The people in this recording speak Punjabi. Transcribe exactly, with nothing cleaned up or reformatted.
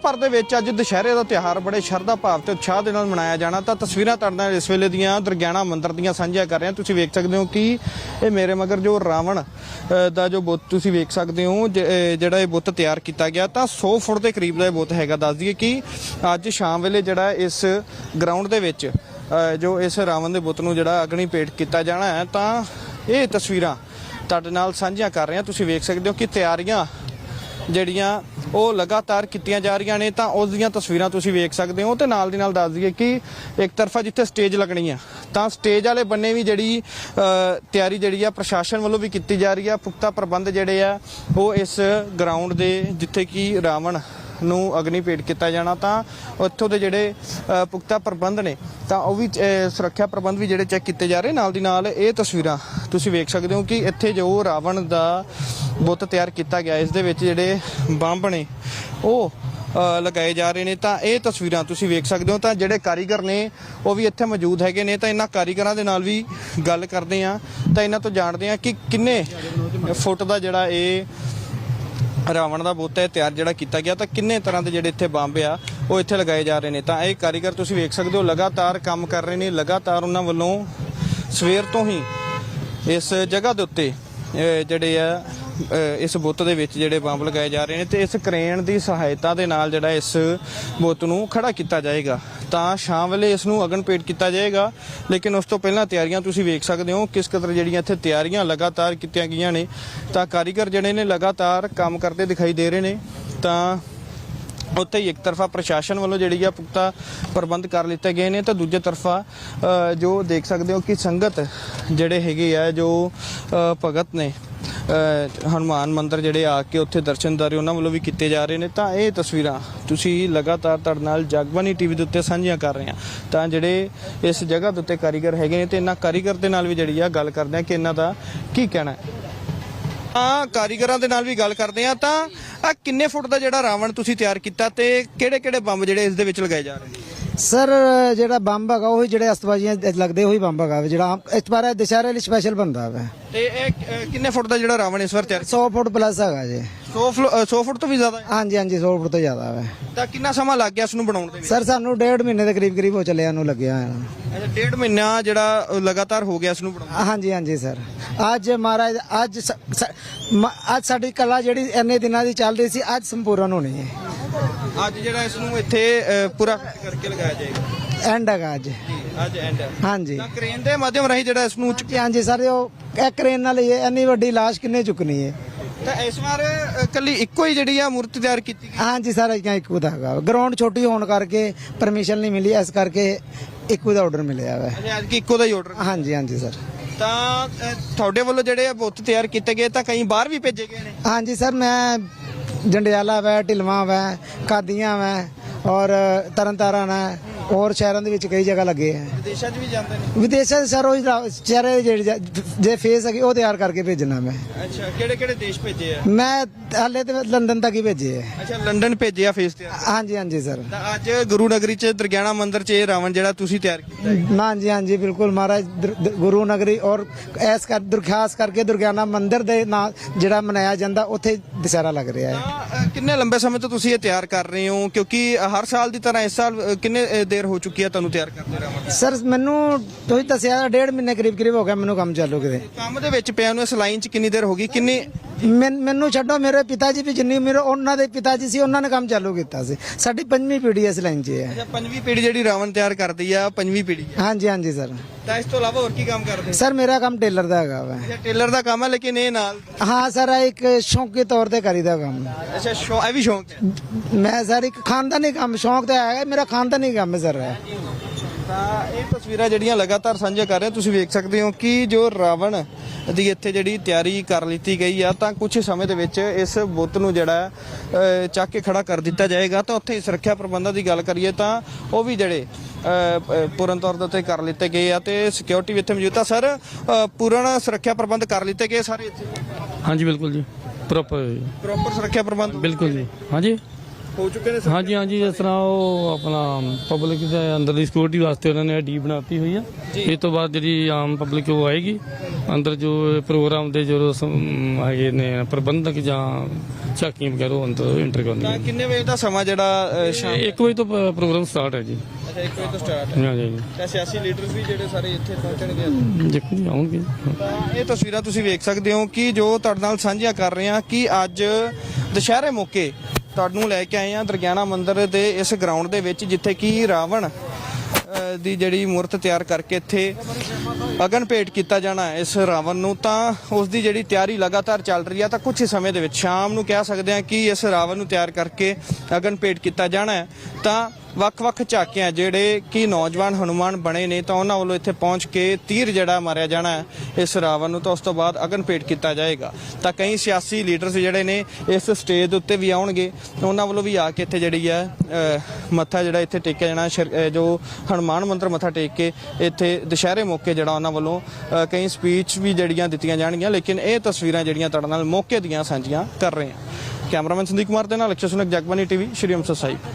ਭਰ ਦੇ ਵਿੱਚ ਅੱਜ ਦੁਸ਼ਹਿਰੇ ਦਾ ਤਿਉਹਾਰ ਬੜੇ ਸ਼ਰਧਾ ਭਾਵ ਤੇ ਉਤਸ਼ਾਹ ਦੇ ਨਾਲ ਮਨਾਇਆ ਜਾਣਾ। ਤਾਂ ਤਸਵੀਰਾਂ ਤੁਹਾਡੇ ਨਾਲ ਇਸ ਵੇਲੇ ਦੀਆਂ ਦੁਰਗਿਆਣਾ ਮੰਦਿਰ ਦੀਆਂ ਸਾਂਝੀਆਂ ਕਰ ਰਹੇ ਹਾਂ। ਤੁਸੀਂ ਵੇਖ ਸਕਦੇ ਹੋ ਕਿ ਇਹ ਮੇਰੇ ਮਗਰ ਜੋ ਰਾਵਣ ਦਾ ਜੋ ਬੁੱਤ ਤੁਸੀਂ ਵੇਖ ਸਕਦੇ ਹੋ, ਜਿਹੜਾ ਇਹ ਬੁੱਤ ਤਿਆਰ ਕੀਤਾ ਗਿਆ ਤਾਂ ਸੌ ਫੁੱਟ ਦੇ ਕਰੀਬ ਦਾ ਇਹ ਬੁੱਤ ਹੈਗਾ। ਦੱਸ ਦਈਏ ਕਿ ਅੱਜ ਸ਼ਾਮ ਵੇਲੇ ਜਿਹੜਾ ਇਸ ਗਰਾਊਂਡ ਦੇ ਵਿੱਚ ਜੋ ਇਸ ਰਾਵਣ ਦੇ ਬੁੱਤ ਨੂੰ ਜਿਹੜਾ ਅਗਨੀ ਭੇਟ ਕੀਤਾ ਜਾਣਾ ਹੈ, ਤਾਂ ਇਹ ਤਸਵੀਰਾਂ ਤੁਹਾਡੇ ਨਾਲ ਸਾਂਝੀਆਂ ਕਰ ਰਹੇ ਹਾਂ। ਤੁਸੀਂ ਵੇਖ ਸਕਦੇ ਹੋ ਕਿ ਤਿਆਰੀਆਂ ਜਿਹੜੀਆਂ ਉਹ ਲਗਾਤਾਰ ਕੀਤੀਆਂ ਜਾ ਰਹੀਆਂ ਨੇ, ਤਾਂ ਉਸ ਦੀਆਂ ਤਸਵੀਰਾਂ ਤੁਸੀਂ ਵੇਖ ਸਕਦੇ ਹੋ। ਤੇ ਨਾਲ ਦੀ ਨਾਲ ਦੱਸ ਦਈਏ ਕਿ ਇੱਕ ਤਰਫਾ ਜਿੱਥੇ ਸਟੇਜ ਲੱਗਣੀ ਆ, ਤਾਂ ਸਟੇਜ ਵਾਲੇ ਬੰਨੇ ਵੀ ਜਿਹੜੀ ਤਿਆਰੀ ਜਿਹੜੀ ਆ ਪ੍ਰਸ਼ਾਸਨ ਵੱਲੋਂ ਵੀ ਕੀਤੀ ਜਾ ਰਹੀ ਆ। ਪੁਖਤਾ ਪ੍ਰਬੰਧ ਜਿਹੜੇ ਆ ਉਹ ਇਸ ਗਰਾਊਂਡ ਦੇ ਜਿੱਥੇ ਕਿ ਰਾਵਣ ਨੂੰ ਅਗਨੀ ਭੇਟ ਕੀਤਾ ਜਾਣਾ, ਤਾਂ ਉੱਥੋਂ ਦੇ ਜਿਹੜੇ ਪੁਖਤਾ ਪ੍ਰਬੰਧ ਨੇ ਤਾਂ ਉਹ ਵੀ ਸੁਰੱਖਿਆ ਪ੍ਰਬੰਧ ਵੀ ਜਿਹੜੇ ਚੈੱਕ ਕੀਤੇ ਜਾ ਰਹੇ। ਨਾਲ ਦੀ ਨਾਲ ਇਹ ਤਸਵੀਰਾਂ ਤੁਸੀਂ ਵੇਖ ਸਕਦੇ ਹੋ ਕਿ ਇੱਥੇ ਜੋ ਰਾਵਣ ਦਾ ਬੁੱਤ ਤਿਆਰ ਕੀਤਾ ਗਿਆ, ਇਸ ਦੇ ਵਿੱਚ ਜਿਹੜੇ ਬੰਬ ਨੇ ਉਹ ਲਗਾਏ ਜਾ ਰਹੇ ਨੇ। ਤਾਂ ਇਹ ਤਸਵੀਰਾਂ ਤੁਸੀਂ ਵੇਖ ਸਕਦੇ ਹੋ। ਤਾਂ ਜਿਹੜੇ ਕਾਰੀਗਰ ਨੇ ਉਹ ਵੀ ਇੱਥੇ ਮੌਜੂਦ ਹੈਗੇ ਨੇ, ਤਾਂ ਇਹਨਾਂ ਕਾਰੀਗਰਾਂ ਦੇ ਨਾਲ ਵੀ ਗੱਲ ਕਰਦੇ ਆ, ਤਾਂ ਇਹਨਾਂ ਤੋਂ ਜਾਣਦੇ ਆ ਕਿ ਕਿੰਨੇ ਫੁੱਟ ਦਾ ਜਿਹੜਾ ਇਹ ਰਾਵਣ ਦਾ ਬੁੱਤ ਹੈ ਤਿਆਰ ਜਿਹੜਾ ਕੀਤਾ ਗਿਆ, ਤਾਂ ਕਿੰਨੇ ਤਰ੍ਹਾਂ ਦੇ ਜਿਹੜੇ ਇੱਥੇ ਬੰਬ ਆ ਉਹ ਇੱਥੇ ਲਗਾਏ ਜਾ ਰਹੇ ਨੇ। ਤਾਂ ਇਹ ਕਾਰੀਗਰ ਤੁਸੀਂ ਵੇਖ ਸਕਦੇ ਹੋ ਲਗਾਤਾਰ ਕੰਮ ਕਰ ਰਹੇ ਨੇ। ਲਗਾਤਾਰ ਉਹਨਾਂ ਵੱਲੋਂ ਸਵੇਰ ਤੋਂ ਹੀ ਇਸ ਜਗ੍ਹਾ ਦੇ ਉੱਤੇ ਜਿਹੜੇ ਆ ਇਸ ਬੁੱਤ ਦੇ ਵਿੱਚ ਜਿਹੜੇ ਬੰਬ ਲਗਾਏ ਜਾ ਰਹੇ ਨੇ, ਤੇ ਇਸ ਕ੍ਰੇਨ ਦੀ ਸਹਾਇਤਾ ਦੇ ਨਾਲ ਜਿਹੜਾ ਇਸ ਬੁੱਤ ਨੂੰ ਖੜਾ ਕੀਤਾ ਜਾਏਗਾ, ਤਾਂ ਸ਼ਾਮ ਵੇਲੇ ਇਸ ਨੂੰ ਅਗਨ ਭੇਟ ਕੀਤਾ ਜਾਏਗਾ। ਲੇਕਿਨ ਉਸ ਤੋਂ ਪਹਿਲਾਂ ਤਿਆਰੀਆਂ ਤੁਸੀਂ ਵੇਖ ਸਕਦੇ ਹੋ ਕਿਸ ਕਦਰ ਜਿਹੜੀਆਂ ਇੱਥੇ ਤਿਆਰੀਆਂ ਲਗਾਤਾਰ ਕੀਤੀਆਂ ਗਈਆਂ ਨੇ। ਤਾਂ ਕਾਰੀਗਰ ਜਿਹੜੇ ਨੇ ਲਗਾਤਾਰ ਕੰਮ ਕਰਦੇ ਦਿਖਾਈ ਦੇ ਰਹੇ ਨੇ। ਤਾਂ ਉੱਥੇ ਹੀ ਇੱਕ ਤਰਫਾ ਪ੍ਰਸ਼ਾਸਨ ਵੱਲੋਂ ਜਿਹੜੀ ਆ ਪੁਖਤਾ ਪ੍ਰਬੰਧ ਕਰ ਲਿੱਤੇ ਗਏ ਨੇ, ਤਾਂ ਦੂਜੇ ਤਰਫਾ ਜੋ ਦੇਖ ਸਕਦੇ ਹੋ ਕਿ ਸੰਗਤ ਜਿਹੜੇ ਹੈਗੇ ਆ ਜੋ ਭਗਤ ਨੇ ਹਨੂੰਮਾਨ ਮੰਦਿਰ ਜਿਹੜੇ ਆ ਕੇ ਉੱਥੇ ਦਰਸ਼ਨਦਾਰੀ ਉਹਨਾਂ ਵੱਲੋਂ ਵੀ ਕੀਤੇ ਜਾ ਰਹੇ ਨੇ। ਤਾਂ ਇਹ ਤਸਵੀਰਾਂ ਤੁਸੀਂ ਲਗਾਤਾਰ ਤੁਹਾਡੇ ਨਾਲ ਜਗਬਾਣੀ ਟੀਵੀ ਦੇ ਉੱਤੇ ਸਾਂਝੀਆਂ ਕਰ ਰਹੇ ਹਾਂ। ਤਾਂ ਜਿਹੜੇ ਇਸ ਜਗ੍ਹਾ ਦੇ ਉੱਤੇ ਕਾਰੀਗਰ ਹੈਗੇ ਨੇ, ਤੇ ਇਹਨਾਂ ਕਾਰੀਗਰ ਦੇ ਨਾਲ ਵੀ ਜਿਹੜੀ ਆ ਗੱਲ ਕਰਦੇ ਆ ਕਿ ਇਹਨਾਂ ਦਾ ਕੀ ਕਹਿਣਾ ਹੈ। ਤਾਂ ਕਾਰੀਗਰਾਂ ਦੇ ਨਾਲ ਵੀ ਗੱਲ ਕਰਦੇ ਆ। ਤਾਂ ਆ ਕਿੰਨੇ ਫੁੱਟ ਦਾ ਜਿਹੜਾ ਰਾਵਣ ਤੁਸੀਂ ਤਿਆਰ ਕੀਤਾ, ਤੇ ਕਿਹੜੇ ਕਿਹੜੇ ਬੰਬ ਜਿਹੜੇ ਇਸ ਦੇ ਵਿੱਚ ਲਗਾਏ ਜਾ ਰਹੇ ਨੇ? ਸਰ ਜਿਹੜਾ ਬੰਬ ਹੈਗਾ ਉਹੀ ਜਿਹੜੇ ਅਸਤਬਾਜ਼ੀਆਂ ਲੱਗਦੇ ਉਹੀ ਬੰਬ ਹੈਗਾ ਜਿਹੜਾ ਇਸ ਵਾਰ ਦੁਸ਼ਹਿਰੇ ਲਈ ਸਪੈਸ਼ਲ ਬਣਦਾ ਵਾ। ਤੇ ਇਹ ਕਿੰਨੇ ਫੁੱਟ ਦਾ ਜਿਹੜਾ ਰਾਵਣ ਇਸ ਵਾਰ ਤਿਆਰ? ਸੌ ਫੁੱਟ ਪਲੱਸ ਹੈਗਾ ਜੀ। ਸੌ ਸੌ ਫੁੱਟ ਤੋਂ ਵੀ ਜ਼ਿਆਦਾ? ਹਾਂਜੀ ਹਾਂਜੀ ਸੌ ਫੁੱਟ ਤੋਂ ਜ਼ਿਆਦਾ ਵਾ। ਤਾਂ ਕਿੰਨਾ ਸਮਾਂ ਲੱਗ ਗਿਆ ਇਸ ਨੂੰ ਬਣਾਉਣ ਦੇ ਵਿੱਚ? ਸਰ ਸਾਨੂੰ ਡੇਢ ਮਹੀਨੇ ਦੇ ਕਰੀਬ ਕਰੀਬ ਹੋ ਚੱਲਿਆ ਨੂੰ ਲੱਗਿਆ। ਅੱਛਾ, ਡੇਢ ਮਹੀਨਾ ਜਿਹੜਾ ਲਗਾਤਾਰ ਹੋ ਗਿਆ ਇਸ ਨੂੰ ਬਣਾਉਣ? ਹਾਂਜੀ ਹਾਂਜੀ ਸਰ। ਅੱਜ ਮਹਾਰਾਜ ਅੱਜ ਅੱਜ ਸਾਡੀ ਕਲਾ ਜਿਹੜੀ ਇੰਨੇ ਦਿਨਾਂ ਦੀ ਚੱਲ ਰਹੀ ਸੀ ਅੱਜ ਸੰਪੂਰਨ ਹੋਣੀ ਹੈ। ਅੱਜ ਜਿਹੜਾ ਇਸ ਨੂੰ ਇੱਥੇ ਪੂਰਾ ਕਰਕੇ ਲਗਾਇਆ ਜਾਏਗਾ। ਐਂਡ ਹੈਗਾ ਅੱਜ। ਅੱਜ ਐਂਡ ਹੈ। ਹਾਂਜੀ। ਤਾਂ ਕ੍ਰੇਨ ਦੇ ਮਾਧਿਅਮ ਰਾਹੀਂ ਜਿਹੜਾ ਇਸ ਨੂੰ ਹਾਂਜੀ ਸਰ, ਉਹ ਇਹ ਕ੍ਰੇਨ ਨਾਲ ਹੀ ਇੰਨੀ ਵੱਡੀ ਲਾਸ਼ ਕਿੰਨੇ ਚੁੱਕਣੀ ਹੈ। ਤਾਂ ਇਸ ਵਾਰ ਕੱਲੀ ਇੱਕੋ ਹੀ ਜਿਹੜੀ ਆ ਮੂਰਤੀ ਤਿਆਰ ਕੀਤੀ ਗਈ? ਹਾਂਜੀ ਸਰ, ਇੱਕੋ ਦਾ ਹੈਗਾ। ਗਰਾਊਂਡ ਛੋਟੀ ਹੋਣ ਕਰਕੇ ਪਰਮਿਸ਼ਨ ਨਹੀਂ ਮਿਲੀ, ਇਸ ਕਰਕੇ ਇੱਕੋ ਦਾ ਆਰਡਰ ਮਿਲਿਆ ਵਾ। ਅੱਛਾ, ਅੱਜ ਇੱਕੋ ਦਾ ਹੀ ਆਰਡਰ? ਹਾਂਜੀ ਹਾਂਜੀ ਸਰ। ਤਾਂ ਤੁਹਾਡੇ ਵੱਲੋਂ ਜਿਹੜੇ ਬੁੱਤ ਤਿਆਰ ਕੀਤੇ ਗਏ ਤਾਂ ਕਈ ਬਾਹਰ ਵੀ ਭੇਜੇ ਗਏ ਨੇ? ਹਾਂਜੀ ਸਰ, ਮੈਂ ਜੰਡਿਆਲਾ ਵੈ, ਢਿਲਵਾਂ ਵੈ, ਕਾਦੀਆਂ ਵੈ ਔਰ ਤਰਨਤਾਰਨ ਹੈ, ਹੋਰ ਸ਼ਹਿਰਾਂ ਦੇ ਵਿੱਚ ਕਈ ਜਗ੍ਹਾ ਲੱਗੇ ਹੈ। ਵਿਦੇਸ਼ਾਂ 'ਚ ਵੀ ਜਾਂਦੇ ਨੇ? ਵਿਦੇਸ਼ਾਂ 'ਚ ਸਰ ਉਹ ਚਿਹਰੇ ਜਿਹੜੇ ਜੇ ਫੇਸ ਹੈਗੇ ਉਹ ਤਿਆਰ ਕਰਕੇ ਭੇਜਣਾ ਮੈਂ। ਅੱਛਾ, ਕਿਹੜੇ ਕਿਹੜੇ ਦੇਸ਼ ਭੇਜੇ ਆ? ਮੈਂ ਹਾਲੇ ਤੇ ਲੰਡਨ ਤੱਕ ਹੀ ਭੇਜੇ ਹੈ। ਅੱਛਾ, ਲੰਡਨ ਭੇਜੇ ਆ ਫੇਸ ਤਿਆਰ? ਹਾਂਜੀ ਹਾਂਜੀ ਸਰ। ਤਾਂ ਅੱਜ ਗੁਰੂ ਨਗਰੀ 'ਚ ਦੁਰਗਿਆਣਾ ਮੰਦਿਰ 'ਚ ਇਹ ਰਾਵਣ ਜਿਹੜਾ ਤੁਸੀਂ ਤਿਆਰ ਕੀਤਾ ਹੈ? ਹਾਂਜੀ ਹਾਂਜੀ ਬਿਲਕੁਲ ਮਹਾਰਾਜ ਗੁਰੂ ਨਗਰੀ ਔਰ ਐਸ ਕਰ ਦੁਰਖਾਸ ਕਰਕੇ ਦੁਰਗਿਆਣਾ ਮੰਦਿਰ ਦੇ ਨਾਲ ਜਿਹੜਾ ਮਨਾਇਆ ਜਾਂਦਾ ਉੱਥੇ ਦੁਸਹਿਰਾ ਲੱਗ ਰਿਹਾ ਹੈ। ਤਾਂ ਕਿੰਨੇ ਲੰਬੇ ਸਮੇਂ ਤੋਂ ਤੁਸੀਂ ਇਹ ਤਿਆਰ ਕਰ ਰਹੇ ਹੋ, ਕਿਉਂਕਿ ਹਰ ਸਾਲ ਦੀ ਤਰ੍ਹਾਂ ਇਸ ਸਾਲ ਕਿੰਨੇ ਦੇਰ ਹੋ ਚੁੱਕੀ ਹੈ ਤੁਹਾਨੂੰ ਤਿਆਰ ਕਰਦੇ ਰਾਵਣ? ਸਰ ਮੈਨੂੰ ਤੁਸੀਂ ਦੱਸਿਆ ਡੇਢ ਮਹੀਨੇ ਕਰੀਬ ਕਰੀਬ ਹੋ ਗਿਆ ਮੈਨੂੰ ਕੰਮ ਚਾਲੂ ਕਰੇ। ਕੰਮ ਦੇ ਵਿੱਚ ਪਿਆ ਨੂੰ ਇਸ ਲਾਈਨ 'ਚ ਕਿੰਨੀ ਦੇਰ ਹੋ ਗਈ? ਕਿੰਨੀ ਮੈਨੂੰ ਛੱਡੋ, ਮੇਰੇ ਪਿਤਾ ਜੀ ਵੀ ਜਿੰਨੀ ਮੇਰੇ ਉਹਨਾਂ ਦੇ ਪਿਤਾ ਜੀ ਸੀ ਉਹਨਾਂ ਨੇ ਕੰਮ ਚਾਲੂ ਕੀਤਾ ਸੀ। ਸਾਡੀ ਪੰਜਵੀਂ ਪੀੜ੍ਹੀ ਇਸ ਲਾਈਨ 'ਚ ਹੈ। ਅੱਛਾ, ਪੰਜਵੀਂ ਪੀੜ੍ਹੀ ਜਿਹੜੀ ਰਾਵਣ ਤਿਆਰ ਕਰਦੀ ਆ ਪੰਜਵੀਂ ਪੀੜ੍ਹੀ ਹੈ? ਹਾਂਜੀ ਹਾਂਜੀ ਸਰ। ਤਾਂ ਇਸ ਤੋਂ ਇਲਾਵਾ ਹੋਰ ਕੀ ਕੰਮ ਕਰਦੇ? ਸਰ ਮੇਰਾ ਕੰਮ ਟੇਲਰ ਦਾ ਹੈਗਾ ਵਾ। ਅੱਛਾ, ਟੇਲਰ ਦਾ ਕੰਮ ਹੈ, ਲੇਕਿਨ ਇਹ ਨਾਲ? ਹਾਂ ਸਰ, ਇੱਕ ਸ਼ੌਂਕੀ ਤੌਰ ਤੇ ਕਰੀਦਾ ਕੰਮ। ਅੱਛਾ, ਸ਼ੌ ਇਹ ਵੀ ਸ਼ੌਂਕ ਹੈ? ਮੈਂ ਸਰ ਇੱਕ ਖਾਨਦਾਨੀ ਕੰਮ, ਸ਼ੌਂਕ ਤਾਂ ਹੈਗਾ ਮੇਰਾ, ਖਾਨਦਾਨੀ ਕੰਮ ਹੈ ਸਰ। ਤਾਂ ਇਹ ਤਸਵੀਰਾਂ ਜਿਹੜੀਆਂ ਲਗਾਤਾਰ ਸਾਂਝੀਆਂ ਕਰ ਰਹੇ ਤੁਸੀਂ ਵੇਖ ਸਕਦੇ ਹੋ ਕਿ ਜੋ ਰਾਵਣ ਦੀ ਇੱਥੇ ਜਿਹੜੀ ਤਿਆਰੀ ਕਰ ਲਿੱਤੀ ਗਈ ਆ, ਤਾਂ ਕੁਝ ਸਮੇਂ ਦੇ ਵਿੱਚ ਇਸ ਬੁੱਤ ਨੂੰ ਜਿਹੜਾ ਚੱਕ ਕੇ ਖੜਾ ਕਰ ਦਿੱਤਾ ਜਾਏਗਾ। ਤਾਂ ਉੱਥੇ ਸੁਰੱਖਿਆ ਪ੍ਰਬੰਧਾਂ ਦੀ ਗੱਲ ਕਰੀਏ ਤਾਂ ਉਹ ਵੀ ਜਿਹੜੇ ਪੂਰਨ ਤੌਰ ਦੇ ਉੱਤੇ ਕਰ ਲਿੱਤੇ ਗਏ ਆ, ਤੇ ਸਿਕਿਉਰਿਟੀ ਵੀ ਇੱਥੇ ਮੌਜੂਦ ਆ। ਸਰ, ਪੂਰਨ ਸੁਰੱਖਿਆ ਪ੍ਰਬੰਧ ਕਰ ਲਿੱਤੇ ਗਏ ਸਾਰੇ ਇੱਥੇ? ਹਾਂਜੀ ਬਿਲਕੁਲ ਜੀ, ਪ੍ਰੋਪਰ ਪ੍ਰੋਪਰ ਸੁਰੱਖਿਆ ਪ੍ਰਬੰਧ? ਬਿਲਕੁਲ ਜੀ। ਹਾਂਜੀ ਹੋ ਚੁੱਕੇ ਨੇ ਹਾਂਜੀ ਹਾਂਜੀ ਜਿਸ ਤਰ੍ਹਾਂ ਉਹ ਆਪਣਾ ਪਬਲਿਕ ਦੇ ਅੰਦਰ ਦੀ ਸਿਕਿਉਰਿਟੀ ਵਾਸਤੇ ਉਹਨਾਂ ਨੇ ਡੀ ਬਣਾਤੀ ਹੋਈ ਆ। ਇਸ ਤੋਂ ਬਾਅਦ ਜਿਹੜੀ ਆਮ ਪਬਲਿਕ ਉਹ ਆਏਗੀ ਅੰਦਰ ਜੋ ਪ੍ਰੋਗਰਾਮ ਦੇ ਜੋ ਸਮ- ਹੈਗੇ ਨੇ ਪ੍ਰਬੰਧਕ ਜਾਂ ਝਾਕੀਆਂ ਵਗੈਰਾ ਉਹ ਅੰਦਰ ਇੰਟਰ ਤਾਂ ਕਰਨਗੇ। ਕਿੰਨੇ ਵਜੇ ਦਾ ਸਮਾਂ ਜਿਹੜਾ ਅ, ਸ਼ਾਮ ਇੱਕ ਵਜੇ ਤੋਂ ਪ- ਪ੍ਰੋਗਰਾਮ ਸਟਾਰਟ ਹੈ ਜੀ। ਅੱਛਾ ਇੱਕ ਵਜੇ ਤੋਂ ਸਟਾਰਟ ਹਾਂਜੀ ਹਾਂਜੀ ਤਾਂ ਸਿਆਸੀ ਲੀਡਰ ਵੀ ਜਿਹੜੇ ਸਾਰੇ ਇੱਥੇ ਪਹੁੰਚਣਗੇ। ਦੇਖੋ ਜੀ ਆਉਣਗੇ। ਤਾਂ ਇਹ ਤਸਵੀਰਾਂ ਤੁਸੀਂ ਵੇਖ ਸਕਦੇ ਹੋ ਕਿ ਜੋ ਤੁਹਾਡੇ ਨਾਲ ਸਾਂਝੀਆਂ ਕਰ ਰਹੇ ਹਾਂ ਕਿ ਅੱਜ ਦੁਸ਼ਹਿਰੇ ਮੌਕੇ ਤੁਹਾਨੂੰ ਲੈ ਕੇ ਆਏ ਹਾਂ ਦਰਗਿਆਣਾ ਮੰਦਿਰ ਦੇ ਇਸ ਗਰਾਊਂਡ ਦੇ ਵਿੱਚ ਜਿੱਥੇ ਕਿ ਰਾਵਣ ਅ, ਦੀ ਜਿਹੜੀ ਮੂਰਤ ਤਿਆਰ ਕਰਕੇ ਇੱਥੇ ਅਗਨ ਭੇਟ ਕੀਤਾ ਜਾਣਾ ਹੈ ਇਸ ਰਾਵਣ ਨੂੰ। ਤਾਂ ਉਸ ਦੀ ਜਿਹੜੀ ਤਿਆਰੀ ਲਗਾਤਾਰ ਚੱਲ ਰਹੀ ਹੈ। ਤਾਂ ਕੁਝ ਹੀ ਸਮੇਂ ਦੇ ਵਿੱਚ ਸ਼ਾਮ ਨੂੰ ਕਹਿ ਸਕਦੇ ਹਾਂ ਕਿ ਇਸ ਰਾਵਣ ਨੂੰ ਤਿਆਰ ਕਰਕੇ ਅਗਨ ਭੇਟ ਕੀਤਾ ਜਾਣਾ ਹੈ। ਤਾਂ ਵੱਖ-ਵੱਖ ਝਾਕੀਆਂ ਜਿਹੜੇ ਕਿ ਨੌਜਵਾਨ ਹਨੂਮਾਨ ਬਣੇ ਨੇ ਤਾਂ ਉਹਨਾਂ ਵੱਲੋਂ ਇੱਥੇ ਪਹੁੰਚ ਕੇ ਤੀਰ ਜਿਹੜਾ ਮਾਰਿਆ ਜਾਣਾ ਹੈ ਇਸ ਰਾਵਣ ਨੂੰ। ਤਾਂ ਉਸ ਤੋਂ ਬਾਅਦ ਅਗਨ ਭੇਟ ਕੀਤਾ ਜਾਏਗਾ। ਤਾਂ ਕਈ ਸਿਆਸੀ ਲੀਡਰਸ ਜਿਹੜੇ ਨੇ ਇਸ ਸਟੇਜ ਦੇ ਉੱਤੇ ਵੀ ਆਉਣਗੇ, ਉਹਨਾਂ ਵੱਲੋਂ ਵੀ ਆ ਕੇ ਇੱਥੇ ਜਿਹੜੀ ਹੈ ਅ, ਮੱਥਾ ਜਿਹੜਾ ਇੱਥੇ ਟੇਕਿਆ ਜਾਣਾ ਸ਼ਰ- ਅ, ਜੋ ਹਨੂਮਾਨ ਮੰਦਿਰ ਮੱਥਾ ਟੇਕ ਕੇ ਇੱਥੇ ਦੁਸ਼ਹਿਰੇ ਮੌਕੇ ਜਿਹੜਾ ਉਹਨਾਂ ਵੱਲੋਂ ਅ, ਕਈ ਸਪੀਚ ਵੀ ਜਿਹੜੀਆਂ ਦਿੱਤੀਆਂ ਜਾਣਗੀਆਂ। ਲੇਕਿਨ ਇਹ ਤਸਵੀਰਾਂ ਜਿਹੜੀਆਂ ਤੁਹਾਡੇ ਨਾਲ ਮੌਕੇ ਦੀਆਂ ਸਾਂਝੀਆਂ ਕਰ ਰਹੇ ਹਾਂ। ਕੈਮਰਾਮੈਨ ਸੰਦੀਪ ਕੁਮਾਰ ਦੇ ਨਾਲ ਅਕਸ਼ੈ ਸੁਨਕ, ਜਗਬਾਨੀ ਟੀਵੀ, ਸ਼੍ਰੀ ਅੰਮ੍ਰਿਤਸਰ ਸਾਹਿਬ।